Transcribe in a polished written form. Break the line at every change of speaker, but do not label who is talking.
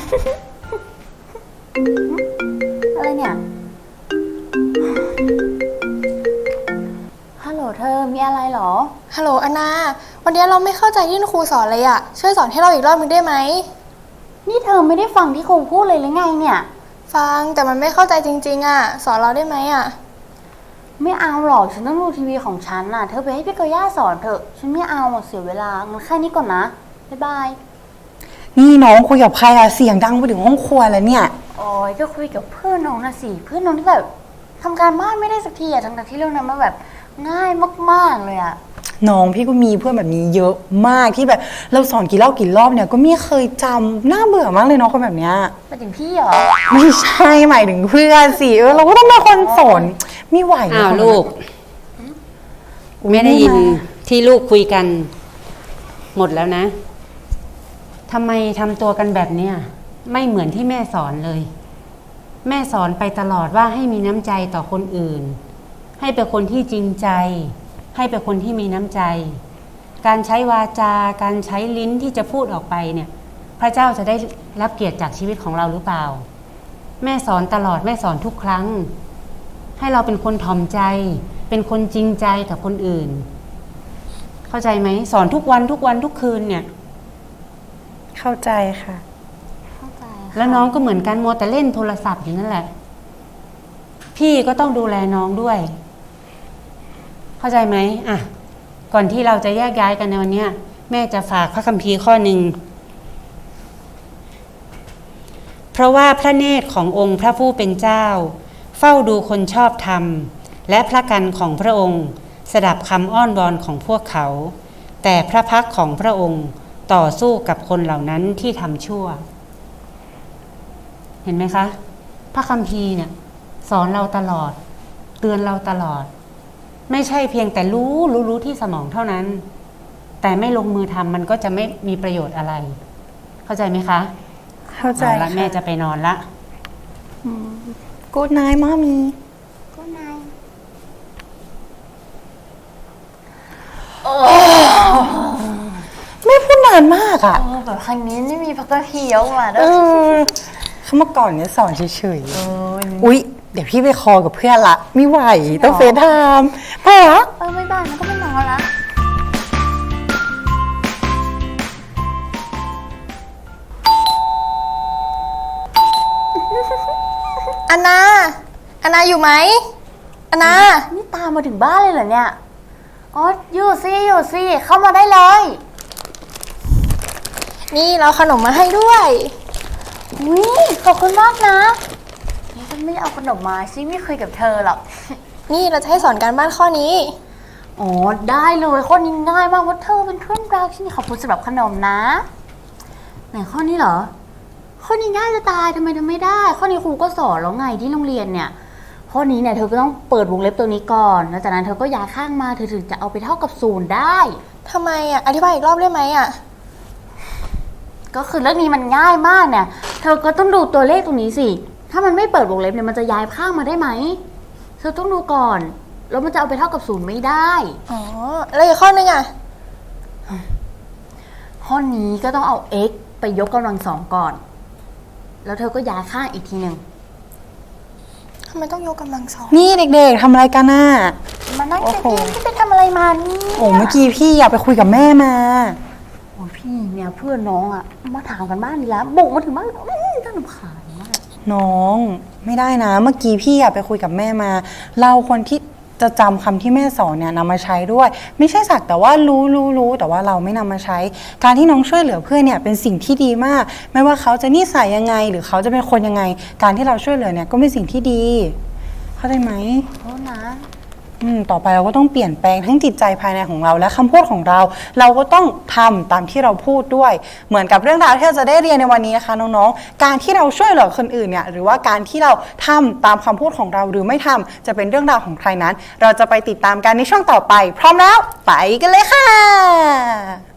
อะไรเนี่ยฮัลโหลเธอมีอะไรเหรอ
ฮัลโหลอนาวันนี้เราไม่เข้าใจที่ครูสอนเลยอะช่วยสอนให้เราอีกรอบนึงได้ไหม
นี่เธอไม่ได้ฟังที่ครูพูดเลยหรือไงเนี่ย
ฟังแต่มันไม่เข้าใจจริงๆอะสอนเราได้ไหมอะ
ไม่เอาหรอกฉันต้องดูทีวีของฉันน่ะเธอไปให้พี่กอย่าสอนเถอะฉันไม่เอาเสียเวลางั้นแค่นี้ก่อนนะบ๊ายบาย
นี่น้องคุยกับใครอะเสียงดังไปถึงห้องครัวแล้วเนี่ย
โอ้ยก็คุยกับเพื่อนน้องนะสิเพื่อนน้องที่แบบทำการบ้านไม่ได้สักทีอะทั้งที่เรื่องนั้นมันแบบง่ายมากๆเลยอะ
น้องพี่ก็มีเพื่อนแบบนี้เยอะมากที่แบบเราสอนกี่รอบเนี่ยก็ไม่เคยจำน่าเบื่อมากเลยน้องคนแบบเนี้ย
ไปถึงพี่เหรอ
ไม่ใช่หมายถึงเพื่อนสิเราก็ต้องเป็นคนสอนไม่ไหว
อ้าวลูกไม่ได้ยินที่ลูกคุยกันหมดแล้วนะทำไมทำตัวกันแบบเนี้ยไม่เหมือนที่แม่สอนเลยแม่สอนไปตลอดว่าให้มีน้ำใจต่อคนอื่นให้เป็นคนที่จริงใจให้เป็นคนที่มีน้ำใจการใช้วาจาการใช้ลิ้นที่จะพูดออกไปเนี่ยพระเจ้าจะได้รับเกียรติจากชีวิตของเราหรือเปล่าแม่สอนตลอดแม่สอนทุกครั้งให้เราเป็นคนถ่อมใจเป็นคนจริงใจกับคนอื่นเข้าใจไหมสอนทุกวันทุกคืนเนี่ย
เข้าใจค่ะ
เข้าใจ
แล้วน้องก็เหมือนกันมัวแต่เล่นโทรศัพท์อยู่นั่นแหละพี่ก็ต้องดูแลน้องด้วยเข้าใจไหมอ่ะก่อนที่เราจะแยกย้ายกันในวันนี้แม่จะฝากพระคัมภีร์ข้อหนึ่งเพราะว่าพระเนตรขององค์พระผู้เป็นเจ้าเฝ้าดูคนชอบธรรมและพระกันของพระองค์สดับคำอ้อนวอนของพวกเขาแต่พระพักของพระองค์ต่อสู้กับคนเหล่านั้นที่ทำชั่วเห็นไหมคะพระคัมภีร์เนี่ยสอนเราตลอดเตือนเราตลอดไม่ใช่เพียงแต่รู้ที่สมองเท่านั้นแต่ไม่ลงมือทำมันก็จะไม่มีประโยชน์อะไรเข้าใจไหมคะ
เข้าใจ
ละแม่จะไปนอนละ
กูดไนท์mommy
ก็นาย
ไม่พูดนานมากอะ
แบบครั้งนี้ไม่มีพักกระเทียวมาด้วย
เขามาก่อนเนี่ยสอนเฉยๆอุ๊ยเดี๋ยวพี่ไปคอกับเพื่อนละไม่ไหวต้องเฟซไทม์ไปเหรอ
ไม่บ้านมันก็ไม่นอนละ
อนาอยู่ไหมอนา
นี่ตามมาถึงบ้านเลยเหรอเนี่ยอ๋ออยู่สิเข้ามาได้เลย
นี่เราขนมมาให้ด้วย
ขอบคุณมากนะฉันไม่เอาขนมมาฉันไม่เคยกับเธอหรอก
นี่เราจะให้สอนการบ้านข้อนี้
อ๋อได้เลยข้อนี้ง่ายมากว่าเธอเป็นเพื่อนรักฉันขอบคุณสำหรับขนมนะไหนข้อนี้เหรอข้อนี้ง่ายจะตายทำไมทำไม่ได้ข้อนี้ครูก็สอนแล้วไงที่โรงเรียนเนี่ยข้อนี้เนี่ยเธอก็ต้องเปิดวงเล็บตัวนี้ก่อนแล้วจากนั้นเธอก็ย้ายข้างมาเธอถึงจะเอาไปเท่ากับ0ได้
ทำไมอ่ะอธิบายอีกรอบได้ไหมอ่ะ
ก็คือเรื่องนี้มันง่ายมากเนี่ยเธอก็ต้องดูตัวเลขตรงนี้สิถ้ามันไม่เปิดวงเล็บเนี่ยมันจะย้ายข้างมาได้ไหมเธอต้องดูก่อนแล้วมันจะเอาไปเท่ากับ0ไม่ได้
อ๋อแล้วอีกข้อนึงอ่ะ
ข้อนี้ก็ต้องเอา x ไปยกกำลัง2ก่อนแล้วเธอก็ย้ายข้างอีกทีหนึ่ง
ทำไมต้องยกกำลัง2
นี่เด็กๆทำอะไรกันน่ะ
มานั่งเฉยๆพี่ไปทำอะไรมานี่
โอ้เมื่อกี้พี่อยากไปคุยกับแม่มา
โอ้พี่เนี่ยเพื่อนน้องอะมาถามกันบ้านนี่แล้วบุกมาถึงบ้านน่ารำคาญมาก
น้องไม่ได้นะเมื่อกี้พี่อยากไปคุยกับแม่มาเราคนที่จะจำคำที่แม่สอนเนี่ยนำมาใช้ด้วยไม่ใช่สักแต่ว่ารู้แต่ว่าเราไม่นำมาใช้การที่น้องช่วยเหลือเพื่อนเนี่ยเป็นสิ่งที่ดีมากไม่ว่าเขาจะนิสัยยังไงหรือเขาจะเป็นคนยังไงการที่เราช่วยเหลือเนี่ยก็เป็นสิ่งที่ดีเข้าใจไหม
โอ้นะ
ต่อไปเราก็ต้องเปลี่ยนแปลงทั้งจิตใจภายในของเราและคำพูดของเราเราก็ต้องทำตามที่เราพูดด้วยเหมือนกับเรื่องราวที่เราจะได้เรียนในวันนี้นะคะน้องๆการที่เราช่วยเหลือคนอื่นเนี่ยหรือว่าการที่เราทำตามคำพูดของเราหรือไม่ทำจะเป็นเรื่องราวของใครนั้นเราจะไปติดตามกันในช่วงต่อไปพร้อมแล้วไปกันเลยค่ะ